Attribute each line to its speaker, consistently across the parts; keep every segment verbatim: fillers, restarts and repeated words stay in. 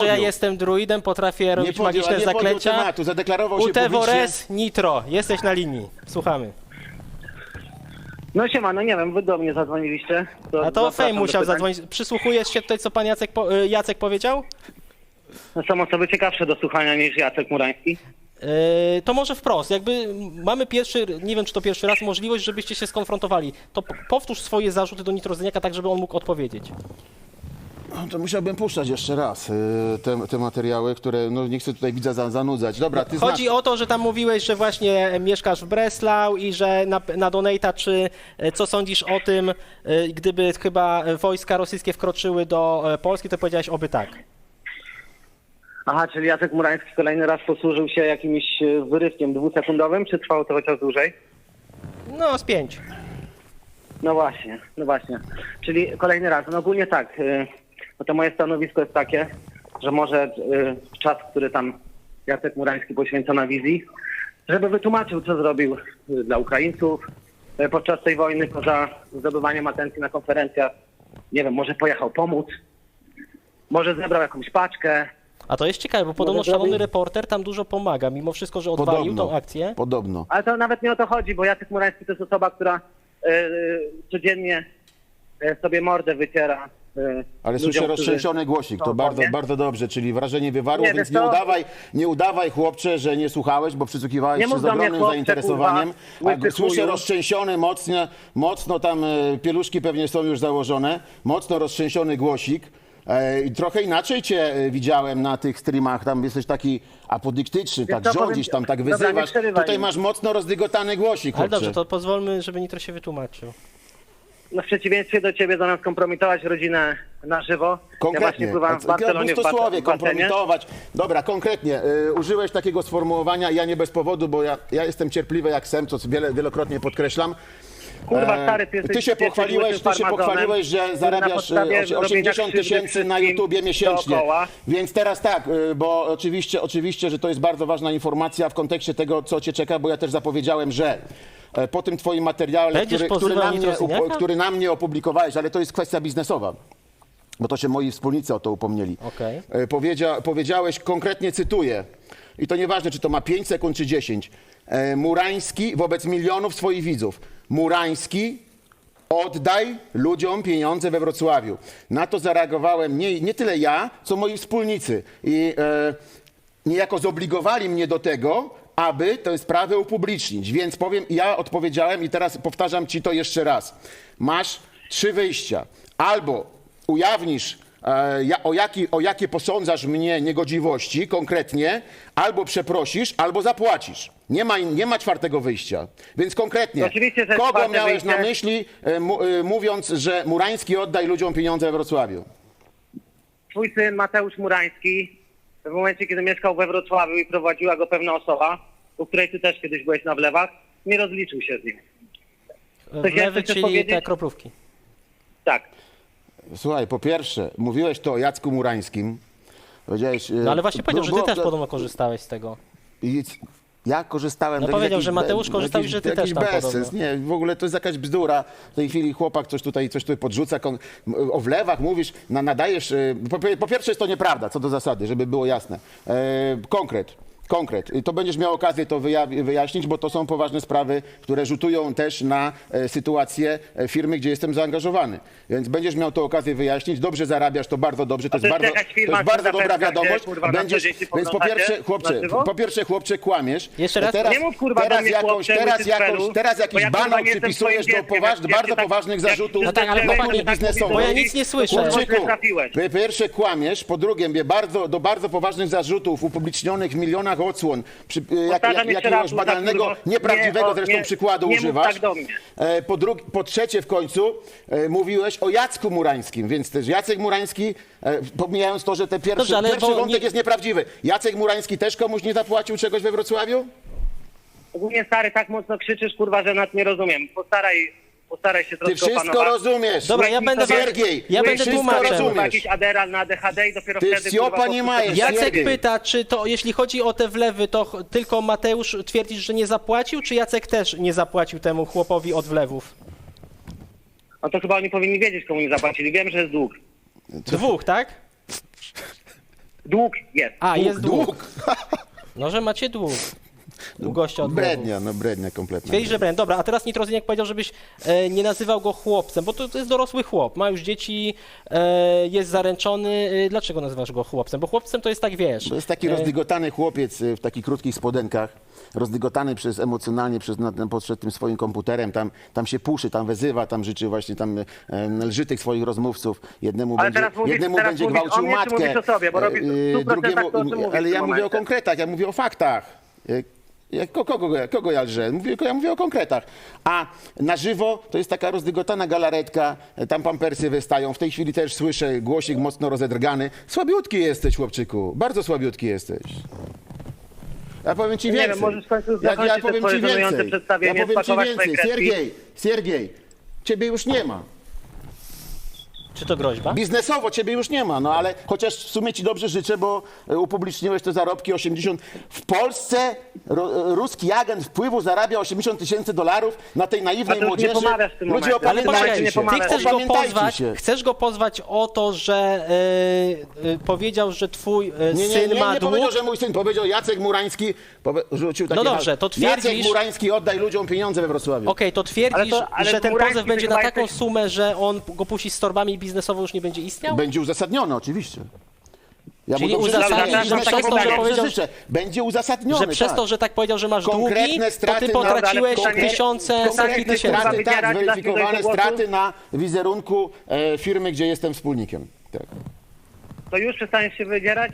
Speaker 1: ja jestem druidem, potrafię robić
Speaker 2: podjął,
Speaker 1: magiczne
Speaker 2: nie podjął
Speaker 1: zaklęcia.
Speaker 2: tematu, zadeklarował się
Speaker 1: Utevores Nitro, jesteś na linii. Słuchamy.
Speaker 3: No siema, no nie wiem, wy do mnie zadzwoniliście. To
Speaker 1: A to
Speaker 3: zapraszam
Speaker 1: Fame
Speaker 3: do
Speaker 1: musiał
Speaker 3: pytań.
Speaker 1: zadzwonić. Przysłuchujesz się tutaj, co pan Jacek, po, y, Jacek powiedział?
Speaker 3: No są osoby ciekawsze do słuchania niż Jacek Murański.
Speaker 1: Yy, to może wprost, jakby mamy pierwszy, nie wiem czy to pierwszy raz, możliwość, żebyście się skonfrontowali. To p- powtórz swoje zarzuty do Nitrozyniaka tak, żeby on mógł odpowiedzieć.
Speaker 2: No, to musiałbym puszczać jeszcze raz y, te, te materiały, które no, nie chcę tutaj widza za, zanudzać. Dobra, ty
Speaker 1: Chodzi
Speaker 2: znasz.
Speaker 1: o to, że tam mówiłeś, że właśnie mieszkasz w Breslau i że na, na Donata, czy e, co sądzisz o tym, e, gdyby chyba wojska rosyjskie wkroczyły do e, Polski, to powiedziałeś oby tak.
Speaker 3: Aha, czyli Jacek Murański kolejny raz posłużył się jakimś e, wyrywkiem dwusekundowym, czy trwało to chociaż dłużej?
Speaker 1: No, z pięć.
Speaker 3: No właśnie, no właśnie. Czyli kolejny raz. No ogólnie tak, y, no to moje stanowisko jest takie, że może y, czas, który tam Jacek Murański poświęca na wizji, żeby wytłumaczył, co zrobił y, dla Ukraińców y, podczas tej wojny, poza zdobywaniem atencji na konferencjach. Nie wiem, może pojechał pomóc, może zebrał jakąś paczkę.
Speaker 1: A to jest ciekawe, bo podobno
Speaker 3: Może
Speaker 1: szalony
Speaker 3: zrobić?
Speaker 1: reporter tam dużo pomaga, mimo wszystko, że odwalił
Speaker 2: Podobno,
Speaker 1: tą akcję.
Speaker 2: podobno.
Speaker 3: Ale to nawet nie o to chodzi, bo Jacek Murański to jest osoba, która y, y, codziennie y, sobie mordę wyciera. y,
Speaker 2: Ale
Speaker 3: ludziom,
Speaker 2: słyszę
Speaker 3: którzy
Speaker 2: roztrzęsiony głosik, to
Speaker 3: są w
Speaker 2: bardzo,
Speaker 3: wojnie.
Speaker 2: bardzo dobrze, czyli wrażenie wywarło,
Speaker 3: Nie,
Speaker 2: więc
Speaker 3: wiesz
Speaker 2: nie
Speaker 3: co?
Speaker 2: udawaj, nie udawaj chłopcze, że nie słuchałeś, bo przysłuchiwałeś
Speaker 3: Nie
Speaker 2: się
Speaker 3: mów
Speaker 2: z
Speaker 3: do mnie,
Speaker 2: ogromnym
Speaker 3: chłopcze,
Speaker 2: zainteresowaniem.
Speaker 3: kurwa,
Speaker 2: A
Speaker 3: łysy
Speaker 2: słyszę
Speaker 3: chuju.
Speaker 2: roztrzęsiony, mocno, mocno tam e, pieluszki pewnie są już założone, mocno roztrzęsiony głosik. E, i trochę inaczej cię e, widziałem na tych streamach, tam jesteś taki apodyktyczny, tak
Speaker 3: co,
Speaker 2: rządzisz,
Speaker 3: powiem-
Speaker 2: tam tak
Speaker 3: Dobra, nie
Speaker 2: wyzywasz.
Speaker 3: przerywaj
Speaker 2: Tutaj
Speaker 3: mi.
Speaker 2: masz mocno rozdygotany głosik,
Speaker 1: Ale
Speaker 2: chłopcze.
Speaker 1: dobrze, to pozwólmy, żeby Nitro się wytłumaczył.
Speaker 3: No w przeciwieństwie do ciebie, zamiast kompromitować rodzinę na żywo, ja właśnie
Speaker 2: Konkretnie,
Speaker 3: pływałem w
Speaker 2: w
Speaker 3: Barcelonie w, bas-
Speaker 2: słowie
Speaker 3: w basenie.
Speaker 2: kompromitować. Dobra, konkretnie, y, użyłeś takiego sformułowania, ja nie bez powodu, bo ja, ja jestem cierpliwy jak sem, co wiele, wielokrotnie podkreślam.
Speaker 3: Kurwa,
Speaker 2: E,
Speaker 3: stary, ty jesteś-
Speaker 2: ty się
Speaker 3: ty jesteś
Speaker 2: pochwaliłeś,
Speaker 3: łysym
Speaker 2: ty się
Speaker 3: farmazonem,
Speaker 2: pochwaliłeś, że
Speaker 3: który na
Speaker 2: zarabiasz
Speaker 3: podstawie
Speaker 2: e, osie-
Speaker 3: robienia
Speaker 2: osiemdziesiąt
Speaker 3: krzywdy
Speaker 2: tysięcy na
Speaker 3: wszystkim
Speaker 2: YouTubie miesięcznie.
Speaker 3: dookoła.
Speaker 2: Więc teraz tak, y, bo oczywiście, oczywiście, że to jest bardzo ważna informacja w kontekście tego, co cię czeka, bo ja też zapowiedziałem, że e, po tym twoim materiale,
Speaker 1: Będziesz
Speaker 2: który, który,
Speaker 1: pozywał
Speaker 2: na mnie,
Speaker 1: Nitrozyniaka?
Speaker 2: upo- który na mnie opublikowałeś, ale to jest kwestia biznesowa. Bo to się moi wspólnicy o to upomnieli.
Speaker 1: Okej.
Speaker 2: E, Powiedzia, powiedziałeś, konkretnie cytuję, i to nieważne, czy to ma pięć sekund, czy dziesięć. E, Murański wobec milionów swoich widzów. Murański, oddaj ludziom pieniądze we Wrocławiu. Na to zareagowałem nie, nie tyle ja, co moi wspólnicy. I e, niejako zobligowali mnie do tego, aby tę sprawę upublicznić. Więc powiem, ja odpowiedziałem i teraz powtarzam ci to jeszcze raz. Masz trzy wyjścia. Albo ujawnisz, e, ja, o, jaki, o jakie posądzasz mnie niegodziwości konkretnie, albo przeprosisz, albo zapłacisz. Nie ma, nie ma czwartego wyjścia. Więc konkretnie,
Speaker 3: Oczywiście, że jest
Speaker 2: kogo
Speaker 3: czwarte
Speaker 2: miałeś
Speaker 3: wyjście.
Speaker 2: na myśli, e, mu, e, mówiąc, że Murański oddaj ludziom pieniądze we Wrocławiu?
Speaker 3: Twój syn Mateusz Murański, w momencie, kiedy mieszkał we Wrocławiu i prowadziła go pewna osoba, u której ty też kiedyś byłeś na wlewach, nie rozliczył się z nim. Coś
Speaker 1: Wlewy,
Speaker 3: jeszcze chcesz
Speaker 1: czyli
Speaker 3: powiedzieć?
Speaker 1: te kroplówki.
Speaker 3: Tak.
Speaker 2: Słuchaj, po pierwsze, mówiłeś to o Jacku Murańskim. Powiedziałeś, e,
Speaker 1: No ale właśnie powiedział, że ty
Speaker 2: było-
Speaker 1: też podobno korzystałeś z tego.
Speaker 2: I ja korzystałem...
Speaker 1: No
Speaker 2: to jest
Speaker 1: powiedział,
Speaker 2: jakiś
Speaker 1: że Mateusz
Speaker 2: be-
Speaker 1: korzystał i
Speaker 2: jakiś-
Speaker 1: że ty
Speaker 2: jakiś
Speaker 1: też tam
Speaker 2: bezsens.
Speaker 1: podobno.
Speaker 2: Nie, w ogóle to jest jakaś bzdura. W tej chwili chłopak coś tutaj, coś tutaj podrzuca, kon- o wlewach mówisz, na, nadajesz... e, Po, po pierwsze jest to nieprawda, co do zasady, żeby było jasne. E, konkret. Konkret. I to będziesz miał okazję to wyja- wyjaśnić, bo to są poważne sprawy, które rzutują też na e, sytuację e, firmy, gdzie jestem zaangażowany. Więc będziesz miał to okazję wyjaśnić. Dobrze zarabiasz, to bardzo dobrze. To
Speaker 3: A to
Speaker 2: jest
Speaker 3: jest
Speaker 2: bardzo,
Speaker 3: jakaś
Speaker 2: to
Speaker 3: firma,
Speaker 2: jest bardzo
Speaker 3: która
Speaker 2: dobra
Speaker 3: zapewnia,
Speaker 2: wiadomość.
Speaker 3: gdzie, kurwa, na
Speaker 2: Będziesz,
Speaker 3: co dzień się
Speaker 2: więc po
Speaker 3: podglądacie
Speaker 2: pierwsze, chłopcze,
Speaker 3: na żywo?
Speaker 2: po pierwsze, chłopcze, kłamiesz.
Speaker 1: Jeszcze raz?
Speaker 2: Teraz,
Speaker 3: Nie mów, kurwa, do
Speaker 2: teraz
Speaker 3: mnie,
Speaker 2: jakąś,
Speaker 3: chłopcze,
Speaker 2: teraz
Speaker 3: łysy
Speaker 2: jakąś,
Speaker 3: cfelu,
Speaker 2: teraz
Speaker 3: bo
Speaker 2: jakiś
Speaker 3: ja, kurwa,
Speaker 2: banał
Speaker 3: nie jestem
Speaker 2: przypisujesz
Speaker 3: twoim
Speaker 2: do
Speaker 3: dzieckiem,
Speaker 2: poważ,
Speaker 3: jak- jak
Speaker 2: bardzo
Speaker 3: się tak-
Speaker 2: poważnych
Speaker 3: jak
Speaker 2: zarzutów.
Speaker 1: No tak, ale
Speaker 3: krzyczesz,
Speaker 1: chłopaki,
Speaker 3: że tak
Speaker 2: biznesowych.
Speaker 3: mówisz,
Speaker 1: Bo ja nic nie słyszę.
Speaker 3: to, kurwa,
Speaker 2: Chłopczyku,
Speaker 3: źle trafiłeś.
Speaker 2: po pierwsze kłamiesz, po drugie mnie bardzo, do bardzo poważnych zarzutów upublicznionych w milionach odsłon, przy, jak, jak,
Speaker 3: Powtarzam jeszcze
Speaker 2: jakiegoś
Speaker 3: raz,
Speaker 2: banalnego,
Speaker 3: kurwa,
Speaker 2: nieprawdziwego
Speaker 3: nie, o,
Speaker 2: zresztą
Speaker 3: nie,
Speaker 2: przykładu
Speaker 3: nie mów
Speaker 2: używasz.
Speaker 3: tak do mnie.
Speaker 2: E, Po, drugi, po trzecie w końcu e, mówiłeś o Jacku Murańskim, więc też Jacek Murański, e, pomijając to, że ten pierwszy,
Speaker 1: Dobrze, ale
Speaker 2: pierwszy
Speaker 1: bo
Speaker 2: wątek
Speaker 1: nie-
Speaker 2: jest nieprawdziwy. Jacek Murański też komuś nie zapłacił czegoś we Wrocławiu?
Speaker 3: Ogólnie, stary, tak mocno krzyczysz, kurwa, że nas nie rozumiem. Postaraj, postaraj się
Speaker 2: Ty
Speaker 3: troszkę
Speaker 2: wszystko
Speaker 3: opanować.
Speaker 2: rozumiesz.
Speaker 1: Dobra, ja będę wam-
Speaker 2: Siergiej,
Speaker 1: ja
Speaker 2: ty
Speaker 1: będę
Speaker 2: wszystko
Speaker 1: tłumaczem.
Speaker 3: Kurwa,
Speaker 2: rozumiesz.
Speaker 3: jakiś Adderall na A D H D i dopiero
Speaker 2: Ty
Speaker 3: wtedy...
Speaker 2: wsiopa
Speaker 3: kurwa,
Speaker 2: nie
Speaker 3: po-
Speaker 2: majesz.
Speaker 1: Jacek
Speaker 2: Siergiej.
Speaker 1: pyta, czy to, jeśli chodzi o te wlewy, to ch- tylko Mateusz twierdzisz, że nie zapłacił, czy Jacek też nie zapłacił temu chłopowi od wlewów?
Speaker 3: No to chyba oni powinni wiedzieć, komu nie zapłacili. Wiem, że jest dług.
Speaker 1: Dwóch, tak?
Speaker 3: Dług jest.
Speaker 1: A,
Speaker 2: Dług,
Speaker 1: jest dług.
Speaker 2: dług.
Speaker 1: No, że macie dług. U gościa od
Speaker 2: Brednia, no brednia kompletna.
Speaker 1: Twierdzi, że brand. Dobra, a teraz Nitrozyniak powiedział, żebyś e, nie nazywał go chłopcem, bo to, to jest dorosły chłop, ma już dzieci, e, jest zaręczony. E, dlaczego nazywasz go chłopcem? Bo chłopcem to jest tak, wiesz...
Speaker 2: To jest taki
Speaker 1: e,
Speaker 2: rozdygotany chłopiec y, w takich krótkich spodenkach, rozdygotany przez emocjonalnie przez na, na, przed tym swoim komputerem, tam, tam się puszy, tam wezywa, tam życzy właśnie, tam e, lży tych swoich rozmówców. Jednemu
Speaker 3: Ale
Speaker 2: będzie,
Speaker 3: teraz mówisz-
Speaker 2: jednemu
Speaker 3: teraz
Speaker 2: będzie
Speaker 3: mówisz
Speaker 2: gwałcił
Speaker 3: o mnie, czy
Speaker 2: matkę,
Speaker 3: mówisz o sobie? Bo robisz w stu procentach to, o czym mówisz
Speaker 2: ale
Speaker 3: w
Speaker 2: ja
Speaker 3: tym
Speaker 2: mówię o
Speaker 3: momencie.
Speaker 2: konkretach, ja mówię o faktach. E, Ja, ko- kogo, ja- kogo ja lżę? Mówię, ja mówię o konkretach. A na żywo to jest taka rozdygotana galaretka, e, tam pampersy wystają. W tej chwili też słyszę głosik mocno rozedrgany. Słabiutki jesteś, chłopczyku. Bardzo słabiutki jesteś. Ja powiem ci
Speaker 3: Nie
Speaker 2: więcej.
Speaker 3: wiem, możesz w końcu
Speaker 2: ja,
Speaker 3: zakończyć
Speaker 2: ja
Speaker 3: te
Speaker 2: powiem
Speaker 3: swoje
Speaker 2: ci
Speaker 3: żenujące
Speaker 2: więcej. Ja
Speaker 3: przedstawienie,
Speaker 2: powiem ci
Speaker 3: spakować swoje
Speaker 2: więcej.
Speaker 3: kredki.
Speaker 2: Siergiej, Siergiej, ciebie już nie ma.
Speaker 1: Czy to groźba?
Speaker 2: Biznesowo ciebie już nie ma, no ale chociaż w sumie ci dobrze życzę, bo e, upubliczniłeś te zarobki osiemdziesiąt. W Polsce ro, ruski agent wpływu zarabia osiemdziesiąt tysięcy dolarów na tej
Speaker 3: A
Speaker 2: naiwnej
Speaker 3: to już nie
Speaker 2: młodzieży.
Speaker 3: pomawiasz w tym
Speaker 2: Ludzie,
Speaker 3: momencie.
Speaker 1: Ale
Speaker 2: opamiętajcie
Speaker 1: poczekaj,
Speaker 3: nie
Speaker 2: się.
Speaker 1: ty
Speaker 3: pomawiasz.
Speaker 1: chcesz go
Speaker 2: Opamiętajcie
Speaker 1: pozwać,
Speaker 2: się.
Speaker 1: chcesz go pozwać o to, że e, e, powiedział, że twój e,
Speaker 2: Nie, nie,
Speaker 1: syn
Speaker 2: nie,
Speaker 1: ma
Speaker 2: nie
Speaker 1: dług.
Speaker 2: powiedział, że mój syn, powiedział Jacek Murański, powie, rzucił takie
Speaker 1: No dobrze,
Speaker 2: hasło.
Speaker 1: to twierdzisz-
Speaker 2: Jacek Murański, oddaj ludziom pieniądze we Wrocławiu.
Speaker 1: Okej, to twierdzisz,
Speaker 3: Ale to- ale
Speaker 1: że ten
Speaker 3: Murański
Speaker 1: pozew będzie
Speaker 3: chyba
Speaker 1: na taką
Speaker 3: jesteś-
Speaker 1: sumę, że on go puści z torbami i biznesowo już nie będzie istniał?
Speaker 2: Będzie uzasadnione, oczywiście. Ja
Speaker 1: Czyli
Speaker 2: dobrze
Speaker 1: uzasadnisz,
Speaker 2: życzę,
Speaker 3: że
Speaker 2: biznesowo
Speaker 3: przez to, że
Speaker 2: dobrze
Speaker 1: powiedział-
Speaker 2: życzę. Będzie uzasadnione,
Speaker 1: Że przez
Speaker 2: tak.
Speaker 1: to, że tak powiedział, że masz
Speaker 2: Konkretne
Speaker 1: długi, to
Speaker 2: straty
Speaker 1: ty
Speaker 2: na-
Speaker 1: potraciłeś
Speaker 3: ale konkre-
Speaker 1: tysiące, setki
Speaker 2: Konkretne
Speaker 1: tysięcy.
Speaker 2: straty, tak,
Speaker 3: Zabierać,
Speaker 2: zweryfikowane
Speaker 3: dać mi do głosu?
Speaker 2: straty na wizerunku e, firmy, gdzie jestem wspólnikiem. Tak.
Speaker 3: To już przestaniesz się wydzierać?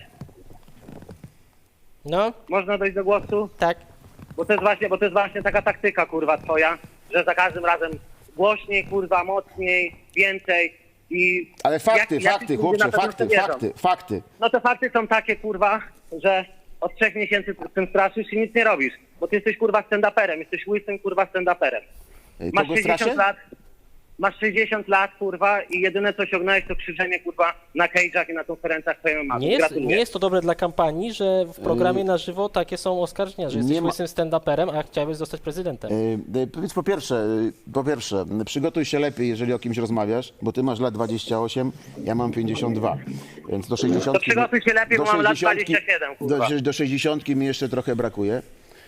Speaker 1: No,
Speaker 3: Można dojść do głosu?
Speaker 1: tak.
Speaker 3: Bo to jest właśnie, bo to jest właśnie taka taktyka, kurwa, twoja, że za każdym razem głośniej, kurwa, mocniej, więcej i...
Speaker 2: Ale fakty,
Speaker 3: jak- jacyś
Speaker 2: fakty,
Speaker 3: ludzie
Speaker 2: chłopcze,
Speaker 3: na pewno w to
Speaker 2: fakty,
Speaker 3: wierzą.
Speaker 2: fakty, fakty.
Speaker 3: No to fakty są takie, kurwa, że od trzech miesięcy z tym straszysz i nic nie robisz. Bo ty jesteś, kurwa, stand-uperem, jesteś łysym, kurwa, stand-uperem.
Speaker 2: E,
Speaker 3: Masz
Speaker 2: Kogo
Speaker 3: sześćdziesiąt
Speaker 2: straszę?
Speaker 3: lat, masz sześćdziesiąt lat, kurwa, i jedyne co osiągnąłeś to krzyczenie, kurwa, na cage'ach i na konferencjach twojej mamy.
Speaker 1: Nie jest,
Speaker 3: Gratuluję.
Speaker 1: nie jest to dobre dla kampanii, że w programie na żywo takie są oskarżenia, że jesteś
Speaker 2: nie ma-
Speaker 1: łysym stand-uperem, a chciałbyś zostać prezydentem.
Speaker 2: E, e, Powiedz po pierwsze, e, po pierwsze, m, przygotuj się lepiej, jeżeli o kimś rozmawiasz, bo ty masz lat dwadzieścia osiem, ja mam pięćdziesiąt dwa, więc do sześćdziesiątki...
Speaker 3: To przygotuj się lepiej,
Speaker 2: do
Speaker 3: bo mam lat
Speaker 2: sześćdziesiątki
Speaker 3: dwadzieścia siedem, kurwa.
Speaker 2: Do, do sześćdziesiątki mi jeszcze trochę brakuje.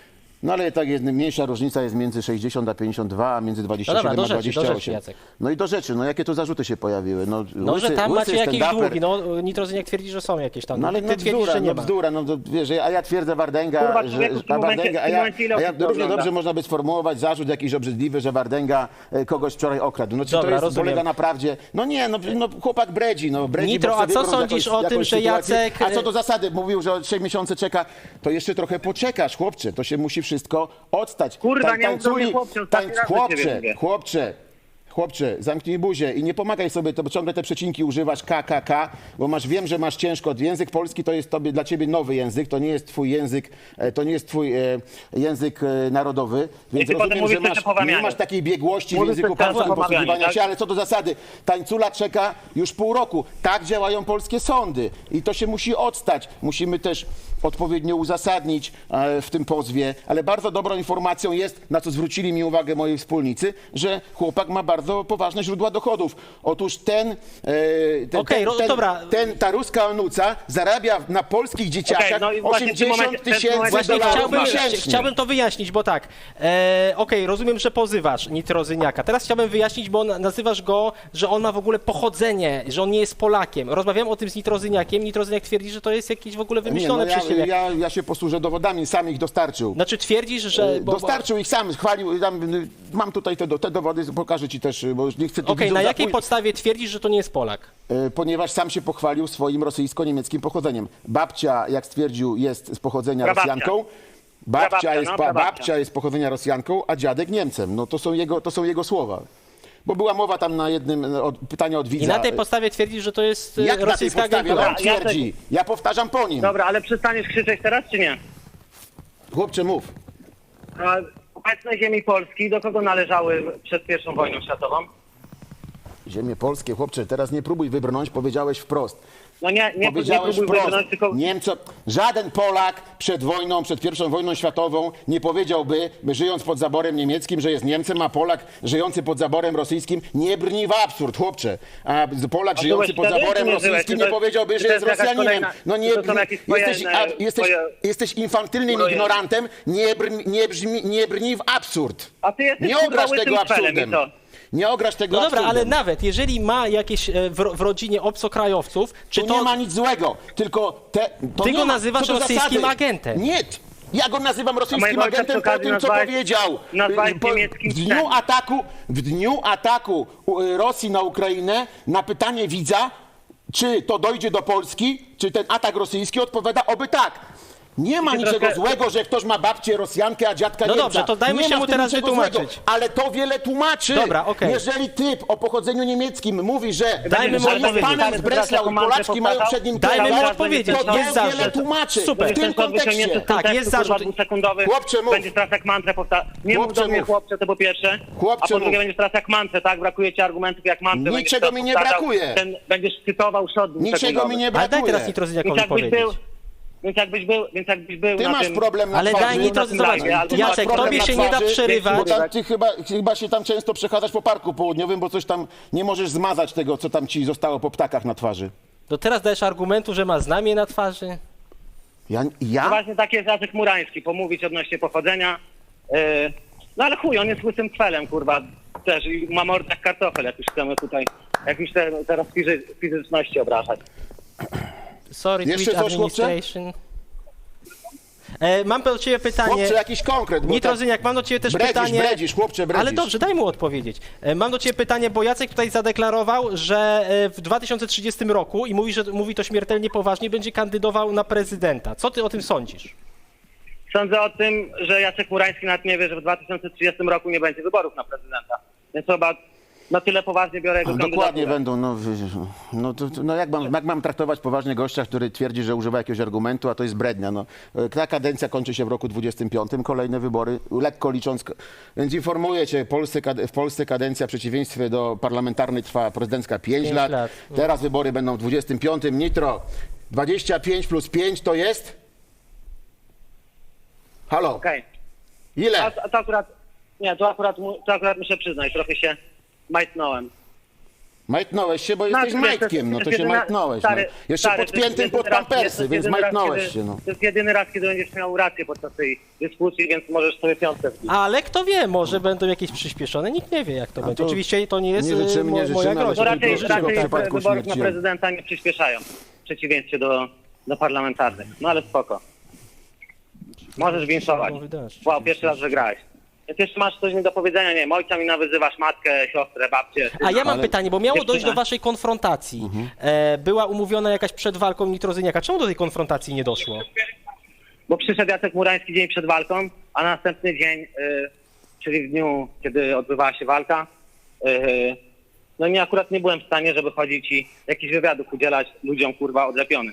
Speaker 2: No ale tak jest, mniejsza różnica jest między sześćdziesiąt a pięćdziesiąt dwa, a między dwadzieścia
Speaker 1: No
Speaker 2: siedem
Speaker 1: dobra, do
Speaker 2: a
Speaker 1: rzeczy, do
Speaker 2: dwadzieścia
Speaker 1: rzeczy,
Speaker 2: osiem.
Speaker 1: Jacek.
Speaker 2: No i do rzeczy, no jakie tu zarzuty się pojawiły? No,
Speaker 1: No,
Speaker 2: łysy,
Speaker 1: że tam
Speaker 2: łysy
Speaker 1: macie jakieś
Speaker 2: stand-uper.
Speaker 1: długi. No, Nitrozyniak twierdzi, że są jakieś tam.
Speaker 2: No ale
Speaker 1: Ty
Speaker 2: no
Speaker 1: twierdzisz,
Speaker 2: bzdura,
Speaker 1: że nie
Speaker 2: no
Speaker 1: ma.
Speaker 2: bzdura, no to wiesz, a ja twierdzę Wardęga,
Speaker 3: Kurwa,
Speaker 2: że,
Speaker 3: człowieku, w tym
Speaker 2: a
Speaker 3: momencie-
Speaker 2: Wardęga,
Speaker 3: w
Speaker 2: a
Speaker 3: tym
Speaker 2: ja,
Speaker 3: momencie ile
Speaker 2: a ja
Speaker 3: osób to
Speaker 2: równie
Speaker 3: ogląda?
Speaker 2: dobrze można by sformułować zarzut jakiś obrzydliwy, że Wardęga e, kogoś wczoraj okradł. No czy
Speaker 1: Dobra,
Speaker 2: to jest,
Speaker 1: rozumiem.
Speaker 2: polega na prawdzie? No nie, no, no chłopak bredzi, no bredzi.
Speaker 1: Nitro,
Speaker 2: bo
Speaker 1: a
Speaker 2: sobie
Speaker 1: co
Speaker 2: wyobraża
Speaker 1: sądzisz
Speaker 2: jakąś-
Speaker 1: o tym,
Speaker 2: jakąś
Speaker 1: że
Speaker 2: sytuację.
Speaker 1: Jacek-
Speaker 2: A co do zasady, mówił, że od trzech miesięcy czeka, to jeszcze trochę poczekasz, chłopcze, to się musi wszystko odstać.
Speaker 3: Kurwa,
Speaker 2: Tań-
Speaker 3: nie mów do mnie,
Speaker 2: tańculi-
Speaker 3: chłopcze, ostatni
Speaker 2: tań-
Speaker 3: raz do ciebie
Speaker 2: Chłopcze,
Speaker 3: mówię.
Speaker 2: chłopcze, chłopcze, zamknij buzię i nie pomagaj sobie, to bo ciągle te przecinki używasz K, K, K, bo masz, wiem, że masz ciężko. Język polski to jest tobie, dla ciebie nowy język, to nie jest twój język, e, to nie jest twój e, język e, narodowy, więc
Speaker 3: ty potem
Speaker 2: rozumiem,
Speaker 3: mówisz
Speaker 2: że
Speaker 3: coś
Speaker 2: masz,
Speaker 3: o połamianiu.
Speaker 2: nie masz takiej biegłości w
Speaker 3: Mówisz
Speaker 2: języku
Speaker 3: coś teraz o
Speaker 2: polskim
Speaker 3: połamianiu,
Speaker 2: posługiwania
Speaker 3: tak?
Speaker 2: się, ale co do zasady, tańcula czeka już pół roku. Tak działają polskie sądy i to się musi odstać. Musimy też odpowiednio uzasadnić e, w tym pozwie, ale bardzo dobrą informacją jest, na co zwrócili mi uwagę moi wspólnicy, że chłopak ma bardzo poważne źródła dochodów. Otóż ten, e, ten,
Speaker 1: Okej,
Speaker 2: ten,
Speaker 1: ro-
Speaker 2: ten,
Speaker 1: dobra.
Speaker 2: ten ta ruska onuca zarabia na polskich dzieciakach
Speaker 3: Okej, no i właśnie w tym
Speaker 2: osiemdziesiąt
Speaker 3: momencie- w tym
Speaker 2: tysięcy
Speaker 3: momencie
Speaker 1: Właśnie
Speaker 2: dolarów
Speaker 1: chciałbym,
Speaker 2: miesięcznie.
Speaker 1: chciałbym to wyjaśnić, bo tak, e, okej, rozumiem, że pozywasz Nitrozyniaka. Teraz chciałbym wyjaśnić, bo na- nazywasz go, że on ma w ogóle pochodzenie, że on nie jest Polakiem. Rozmawiałem o tym z Nitrozyniakiem, Nitrozyniak twierdzi, że to jest jakieś w ogóle
Speaker 2: Nie,
Speaker 1: wymyślone
Speaker 2: no ja,
Speaker 1: przez siebie.
Speaker 2: ja, ja się posłużę dowodami, sam ich dostarczył.
Speaker 1: Znaczy twierdzisz, że... bo- bo-
Speaker 2: Dostarczył ich sam, chwalił, tam, y, mam tutaj te, do- te dowody, pokażę ci też, y, bo już nie chcę tu
Speaker 1: Okej,
Speaker 2: widzów
Speaker 1: na jakiej
Speaker 2: zapój-
Speaker 1: podstawie twierdzisz, że to nie jest Polak?
Speaker 2: y, ponieważ sam się pochwalił swoim rosyjsko-niemieckim pochodzeniem. Babcia, jak stwierdził, jest z pochodzenia
Speaker 3: Prababcia.
Speaker 2: Rosjanką. Babcia,
Speaker 3: Prababcia,
Speaker 2: jest,
Speaker 3: no,
Speaker 2: pa,
Speaker 3: prababcia.
Speaker 2: babcia jest z pochodzenia Rosjanką, a dziadek Niemcem. No to są jego, to są jego słowa. Bo była mowa tam na jednym y, od, pytania od widza.
Speaker 1: I na tej podstawie twierdzisz, że to jest e,
Speaker 2: Jak na tej
Speaker 1: rosyjska
Speaker 2: podstawie
Speaker 1: agentura?
Speaker 2: on
Speaker 3: Dobra, ja
Speaker 2: twierdzi? Ja powtarzam po nim.
Speaker 3: Dobra, ale przestaniesz krzyczeć teraz, czy nie?
Speaker 2: Chłopcze, mów.
Speaker 3: A obecne ziemi Polski do kogo należały przed pierwszą wojną światową?
Speaker 2: Ziemie polskie, chłopcze, teraz nie próbuj wybrnąć, powiedziałeś wprost.
Speaker 3: No nie, nie, nie
Speaker 2: Powiedziałeś
Speaker 3: próbuj
Speaker 2: wprost,
Speaker 3: wybrnąć, tylko...
Speaker 2: Niemcom, żaden Polak przed wojną, przed pierwszą wojną światową nie powiedziałby, by żyjąc pod zaborem niemieckim, że jest Niemcem, a Polak żyjący pod zaborem rosyjskim nie brni w absurd, chłopcze. A Polak
Speaker 3: A
Speaker 2: żyjący
Speaker 3: byłeś
Speaker 2: pod
Speaker 3: wtedy,
Speaker 2: zaborem
Speaker 3: czy nie żyłeś?
Speaker 2: rosyjskim
Speaker 3: Czy
Speaker 2: nie
Speaker 3: to-
Speaker 2: powiedziałby,
Speaker 3: czy
Speaker 2: że
Speaker 3: to
Speaker 2: jest
Speaker 3: jest jakaś
Speaker 2: Rosjaninem.
Speaker 3: kolejna-
Speaker 2: No nie,
Speaker 3: czy to są jakieś twoje,
Speaker 2: jesteś, a,
Speaker 3: e,
Speaker 2: jesteś,
Speaker 3: twoje-
Speaker 2: jesteś infantylnym
Speaker 3: twoje-
Speaker 2: ignorantem, nie, brni, nie, brzmi, nie brni w absurd.
Speaker 3: A ty jesteś,
Speaker 2: Nie
Speaker 3: kurwa,
Speaker 2: ograsz
Speaker 3: łysym
Speaker 2: tego
Speaker 3: felem i
Speaker 2: absurdem.
Speaker 3: co?
Speaker 2: Nie ograsz tego
Speaker 1: No dobra, ale
Speaker 2: absurdem.
Speaker 1: nawet jeżeli ma jakieś e, w, ro- w rodzinie obcokrajowców, czy
Speaker 2: Tu
Speaker 1: to...
Speaker 2: nie ma nic złego, tylko te, to
Speaker 1: Ty
Speaker 2: nie
Speaker 1: go
Speaker 2: ma,
Speaker 1: nazywasz
Speaker 2: co do
Speaker 1: rosyjskim
Speaker 2: zasady.
Speaker 1: agentem.
Speaker 2: Nie, ja go nazywam rosyjskim
Speaker 3: mojego ojca
Speaker 2: agentem
Speaker 3: przy
Speaker 2: po
Speaker 3: okazji
Speaker 2: tym, co
Speaker 3: nazwałeś-
Speaker 2: powiedział.
Speaker 3: nazwałeś
Speaker 2: Po-
Speaker 3: niemieckim
Speaker 2: w dniu
Speaker 3: psem.
Speaker 2: ataku, w dniu ataku y, Rosji na Ukrainę na pytanie widza, czy to dojdzie do Polski, czy ten atak rosyjski, odpowiada oby tak. Nie ma
Speaker 3: Ty
Speaker 2: niczego
Speaker 3: trochę-
Speaker 2: złego, że ktoś ma babcię Rosjankę, a dziadka
Speaker 1: No
Speaker 2: Niemca.
Speaker 1: dobrze, to dajmy
Speaker 2: Nie
Speaker 1: się
Speaker 2: ma
Speaker 1: mu
Speaker 2: w tym
Speaker 1: teraz
Speaker 2: niczego
Speaker 1: wytłumaczyć.
Speaker 2: złego, ale to wiele tłumaczy.
Speaker 1: Dobra, okej.
Speaker 2: Jeżeli typ o pochodzeniu niemieckim mówi, że,
Speaker 1: Dajmy mu
Speaker 2: że jest
Speaker 1: odpowiedzieć.
Speaker 2: panem z Breslau i Polaczki mają przed nim
Speaker 1: Dajmy mu
Speaker 2: tyle,
Speaker 1: odpowiedzieć,
Speaker 2: to
Speaker 1: jest
Speaker 2: to wiele
Speaker 1: zarzut.
Speaker 2: tłumaczy.
Speaker 1: Super.
Speaker 2: W tym kontekście.
Speaker 1: Tak, jest zarzut.
Speaker 3: dwusekundowy.
Speaker 2: Chłopcze, mów.
Speaker 3: Będziesz teraz jak mantrę powtarzał. Nie mów
Speaker 2: Chłopcze,
Speaker 3: do mnie
Speaker 2: mów.
Speaker 3: chłopcze, to po pierwsze.
Speaker 2: Chłopcze,
Speaker 3: a po drugie
Speaker 2: mów.
Speaker 3: będziesz teraz jak mantrę, tak? Brakuje ci argumentów jak mantrę. będziesz
Speaker 2: Niczego
Speaker 3: teraz
Speaker 2: mi nie
Speaker 3: powtarzał.
Speaker 2: brakuje.
Speaker 3: Ten, będziesz cytował szot
Speaker 2: Niczego
Speaker 3: dwusekundowy.
Speaker 2: mi nie
Speaker 1: Ale daj
Speaker 2: brakuje.
Speaker 1: teraz
Speaker 3: Więc
Speaker 1: Nitrozyniakowi
Speaker 3: jakbyś
Speaker 1: powiedzieć.
Speaker 3: był, więc jakbyś był, więc jakbyś był
Speaker 2: Ty
Speaker 3: na
Speaker 2: masz
Speaker 3: tym...
Speaker 2: problem na
Speaker 1: Ale
Speaker 2: twarzy.
Speaker 1: daj Nitro,
Speaker 3: na tym
Speaker 1: zobacz,
Speaker 3: live'ie, albo
Speaker 1: Jacek,
Speaker 3: masz problem
Speaker 1: tobie
Speaker 3: na
Speaker 1: się nie da
Speaker 3: twarzy,
Speaker 1: przerywać.
Speaker 2: Bo tam, ty chyba, chyba się tam często przechadzasz po parku południowym, bo coś tam nie możesz zmazać tego, co tam ci zostało po ptakach na twarzy.
Speaker 1: To teraz dajesz argumentu, że ma znamie na twarzy?
Speaker 2: Ja?
Speaker 3: No
Speaker 2: ja?
Speaker 3: właśnie taki jest Jacek Murański, pomówić odnośnie pochodzenia. Yy, no ale chuj, on jest łysym kwelem, kurwa, też i ma mordę jak kartofel, jak już chcemy tutaj, jak już te, teraz fizy, fizyczności obrażać.
Speaker 1: Sorry,
Speaker 2: Jeszcze
Speaker 1: Twitch
Speaker 2: coś, chłopcze?
Speaker 1: Administration. E, mam do ciebie pytanie.
Speaker 2: Chłopcze, jakiś konkret. bo tak
Speaker 1: Nitrozyniak, mam do ciebie też
Speaker 2: bredzisz,
Speaker 1: pytanie.
Speaker 2: bredzisz, chłopcze, bredzisz.
Speaker 1: Ale dobrze, daj mu odpowiedzieć. E, Mam do ciebie pytanie, bo Jacek tutaj zadeklarował, że e, w dwa tysiące trzydziestym roku, i mówi, że mówi to śmiertelnie poważnie, będzie kandydował na prezydenta. Co ty o tym sądzisz?
Speaker 3: Sądzę o tym, że Jacek Murański nawet nie wie, że w dwa tysiące trzydziestym roku nie będzie wyborów na prezydenta. Więc chyba na tyle poważnie biorę jego
Speaker 2: Dokładnie
Speaker 3: kandydaturę.
Speaker 2: będą. No, wy- no, to, to, no jak, mam, jak mam traktować poważnie gościa, który twierdzi, że używa jakiegoś argumentu, a to jest brednia. No, ta kadencja kończy się w roku dwudziestym piątym, kolejne wybory, lekko licząc. Więc informuję cię, Polsce, kade- w Polsce kadencja w przeciwieństwie do parlamentarnej trwa prezydencka pięć
Speaker 1: Pięć
Speaker 2: lat.
Speaker 1: lat.
Speaker 2: Teraz wybory będą w dwudziestym piątym. Nitro, dwadzieścia pięć plus pięć to jest? Halo,
Speaker 3: Okej.
Speaker 2: ile?
Speaker 3: A, a to akurat, nie, to akurat, mu- to akurat muszę przyznać, trochę się majtnąłem.
Speaker 2: Majtnąłeś się, bo
Speaker 3: No,
Speaker 2: jesteś
Speaker 3: to jest-
Speaker 2: majtkiem, no
Speaker 3: jest
Speaker 2: to się
Speaker 3: jedyna-
Speaker 2: majtnąłeś.
Speaker 3: stary,
Speaker 2: no. Jeszcze
Speaker 3: stary, to jest
Speaker 2: podpiętym
Speaker 3: jedyny
Speaker 2: pod
Speaker 3: raz- to
Speaker 2: pampersy,
Speaker 3: jest
Speaker 2: więc
Speaker 3: jedyny raz,
Speaker 2: majtnąłeś
Speaker 3: kiedy-
Speaker 2: się. No.
Speaker 3: To jest jedyny raz, kiedy będziesz miał rację podczas tej dyskusji, więc możesz sobie piątkę wbić.
Speaker 1: Ale kto wie, może będą jakieś przyspieszone, nikt nie wie jak to będzie.
Speaker 2: to
Speaker 1: Oczywiście to nie jest
Speaker 2: nie życzymy,
Speaker 1: e, mo-
Speaker 2: nie życzymy,
Speaker 1: moja
Speaker 2: ale
Speaker 1: groźba.
Speaker 3: No
Speaker 2: to
Speaker 3: raczej,
Speaker 2: tylko w
Speaker 3: raczej
Speaker 2: przypadku
Speaker 3: wyborów na
Speaker 2: śmierci.
Speaker 3: prezydenta nie przyspieszają, w przeciwieństwie do, do parlamentarnych. No ale spoko. Możesz winszować. Wow, pierwszy raz wygrałeś. Jak jeszcze masz coś mi do powiedzenia, nie wiem, ojca mi nawyzywasz, matkę, siostrę, babcię.
Speaker 1: A ja mam
Speaker 2: Ale-
Speaker 1: pytanie, bo miało
Speaker 3: Dziewczyna.
Speaker 1: dojść do waszej konfrontacji. E, była umówiona jakaś przed walką Nitrozyniaka. Czemu do tej konfrontacji nie doszło?
Speaker 3: Bo przyszedł Jacek Murański dzień przed walką, a na następny dzień, y, czyli w dniu, kiedy odbywała się walka, y, no nie, akurat nie byłem w stanie, żeby chodzić i jakichś wywiadów udzielać ludziom, kurwa, odlepionym.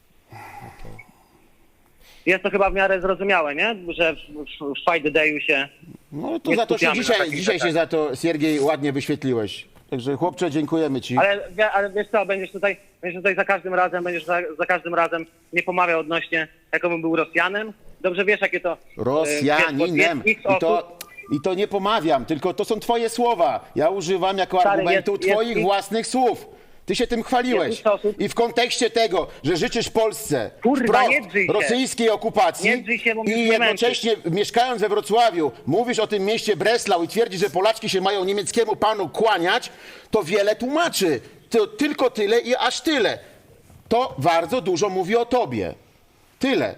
Speaker 3: Jest to chyba w miarę zrozumiałe, nie? Że w, w, w Fight Dayu się...
Speaker 2: No to
Speaker 3: Nie
Speaker 2: za to się
Speaker 3: skupiamy na
Speaker 2: dzisiaj,
Speaker 3: takich
Speaker 2: dzisiaj się
Speaker 3: rzeczach.
Speaker 2: za to, Siergiej, ładnie wyświetliłeś. Także chłopcze, dziękujemy ci.
Speaker 3: Ale, wie- ale wiesz co, będziesz tutaj, będziesz tutaj za każdym razem, będziesz za, za każdym razem nie pomawiał odnośnie, jakobym był Rosjanem. Dobrze wiesz, jakie to... y,
Speaker 2: Rosjaninem.
Speaker 3: jest- jest
Speaker 2: I
Speaker 3: X
Speaker 2: to,
Speaker 3: osób-
Speaker 2: I to nie pomawiam, tylko to są twoje słowa. Ja używam jako
Speaker 3: Stary,
Speaker 2: argumentu
Speaker 3: jest- jest
Speaker 2: twoich
Speaker 3: X-
Speaker 2: własnych słów. Ty się tym chwaliłeś.
Speaker 3: Jest X osób-
Speaker 2: I w kontekście tego, że życzysz Polsce
Speaker 3: Kurwa,
Speaker 2: wprost
Speaker 3: nie drzyj się.
Speaker 2: rosyjskiej okupacji
Speaker 3: Nie drzyj się, bo mnie
Speaker 2: i
Speaker 3: nie
Speaker 2: jednocześnie mieszkając we Wrocławiu mówisz o tym mieście Breslau i twierdzisz, że Polaczki się mają niemieckiemu panu kłaniać, to wiele tłumaczy. To tylko tyle i aż tyle. To bardzo dużo mówi o tobie. Tyle.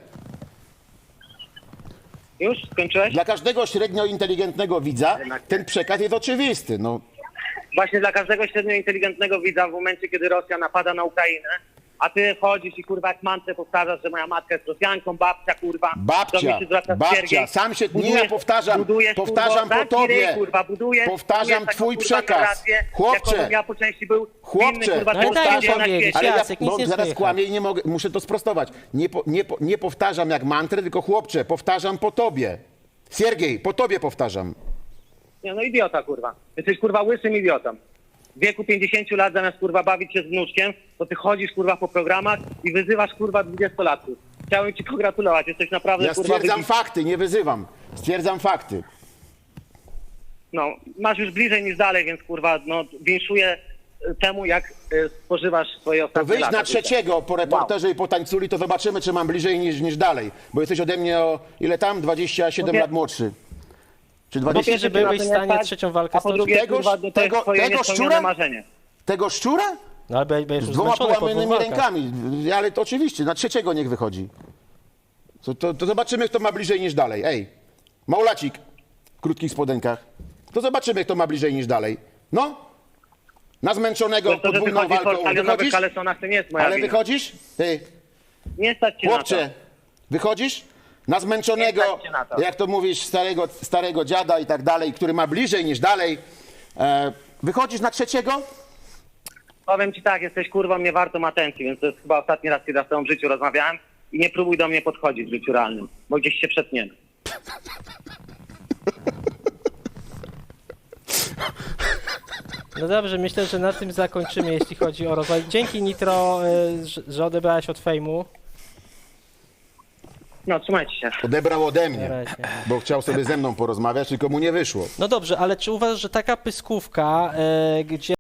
Speaker 3: Już? Skończyłeś?
Speaker 2: Dla każdego średnio inteligentnego widza ten przekaz jest oczywisty. No,
Speaker 3: Właśnie dla każdego średnio inteligentnego widza w momencie, kiedy Rosja napada na Ukrainę, a ty chodzisz i kurwa jak mantrę powtarzasz, że moja matka jest Rosjanką, babcia kurwa. do
Speaker 2: babcia,
Speaker 3: mnie się zwraca
Speaker 2: babcia,
Speaker 3: Siergiej.
Speaker 2: sam się, nie
Speaker 3: Budujesz-
Speaker 2: ja powtarzam,
Speaker 3: budujesz,
Speaker 2: powtarzam
Speaker 3: kurwa,
Speaker 2: po tobie,
Speaker 3: zamknij ryj, kurwa, budujesz,
Speaker 2: powtarzam
Speaker 3: budujesz taką,
Speaker 2: twój
Speaker 3: kurwa,
Speaker 2: przekaz.
Speaker 3: narrację,
Speaker 2: Chłopcze,
Speaker 3: jakobym ja po części był
Speaker 2: chłopcze,
Speaker 3: inny, kurwa,
Speaker 1: No ale daj
Speaker 3: człowiek
Speaker 1: mi
Speaker 3: na
Speaker 1: powiedzieć,
Speaker 3: świecie.
Speaker 2: ale ja
Speaker 1: Jacek, nic
Speaker 2: bo
Speaker 1: nie
Speaker 2: zaraz
Speaker 1: słychać.
Speaker 2: kłamię i nie mogę, muszę to sprostować. Nie, po, nie, po, nie powtarzam jak mantrę, tylko chłopcze, powtarzam po tobie. Siergiej, po tobie powtarzam.
Speaker 3: Nie, no idiota, kurwa. Jesteś kurwa łysym idiotą. w wieku pięćdziesięciu lat zamiast kurwa bawić się z wnuczkiem, to ty chodzisz kurwa po programach i wyzywasz kurwa dwudziestolatków. Chciałem ci pogratulować, jesteś naprawdę
Speaker 2: Ja
Speaker 3: kurwa
Speaker 2: stwierdzam
Speaker 3: wybitny.
Speaker 2: fakty, nie wyzywam. Stwierdzam fakty.
Speaker 3: No, masz już bliżej niż dalej, więc kurwa, no winszuję y, temu, jak y, spożywasz swoje
Speaker 2: To
Speaker 3: ostatnie
Speaker 2: wyjdź
Speaker 3: lata.
Speaker 2: na trzeciego po reporterze i po tańculi, to zobaczymy, czy mam bliżej niż, niż dalej. Bo jesteś ode mnie o ile tam? dwadzieścia siedem
Speaker 3: Po pie-
Speaker 2: lat młodszy. Czy
Speaker 3: Po
Speaker 2: dwadzieścia
Speaker 1: pierwsze,
Speaker 3: pierwsze,
Speaker 1: byłeś
Speaker 3: ty
Speaker 1: w
Speaker 3: na to nie
Speaker 1: stanie
Speaker 3: stać,
Speaker 1: trzecią walkę
Speaker 3: a po
Speaker 1: stoczyć.
Speaker 3: drugie,
Speaker 2: Tegoż-
Speaker 3: kurwa, to jest
Speaker 2: tego-
Speaker 3: twoje
Speaker 2: tego
Speaker 3: niespełnione
Speaker 2: szczura?
Speaker 3: marzenie.
Speaker 2: Tego szczura?
Speaker 1: No ale będziesz
Speaker 2: Z
Speaker 1: już
Speaker 2: dwoma
Speaker 1: zmęczony po dwóch
Speaker 2: połamanymi
Speaker 1: walkach.
Speaker 2: rękami. Ale to oczywiście, na trzeciego niech wychodzi. To, to, to zobaczymy, kto ma bliżej niż dalej. Ej, Maulacik w krótkich spodenkach. To zobaczymy, kto ma bliżej niż dalej. No? Na zmęczonego
Speaker 3: To, to że
Speaker 2: podwójną
Speaker 3: wychodzisz po
Speaker 2: walką.
Speaker 3: stadionowych
Speaker 2: Wychodzisz?
Speaker 3: kalesonach, to nie jest moja
Speaker 2: Ale
Speaker 3: wina.
Speaker 2: wychodzisz? Ty,
Speaker 3: Nie stać cię
Speaker 2: chłopcze,
Speaker 3: na to.
Speaker 2: wychodzisz? Na zmęczonego,
Speaker 3: Nie stać cię na to.
Speaker 2: jak to mówisz, starego, starego dziada i tak dalej, który ma bliżej niż dalej. E, wychodzisz na trzeciego?
Speaker 3: Powiem ci tak, jesteś kurwą nie wartą atencji, więc to jest chyba ostatni raz, kiedy w swoim życiu rozmawiałem i nie próbuj do mnie podchodzić w życiu realnym, bo gdzieś się przetniemy.
Speaker 1: No dobrze, myślę, że na tym zakończymy, jeśli chodzi o rozwój. Dzięki Nitro, y, że- że odebrałeś od fejmu.
Speaker 3: No, trzymajcie się.
Speaker 2: Odebrał ode
Speaker 1: Na
Speaker 2: mnie,
Speaker 1: razie.
Speaker 2: bo chciał sobie ze mną porozmawiać, tylko mu nie wyszło.
Speaker 1: No dobrze, ale czy uważasz, że taka pyskówka, y, gdzie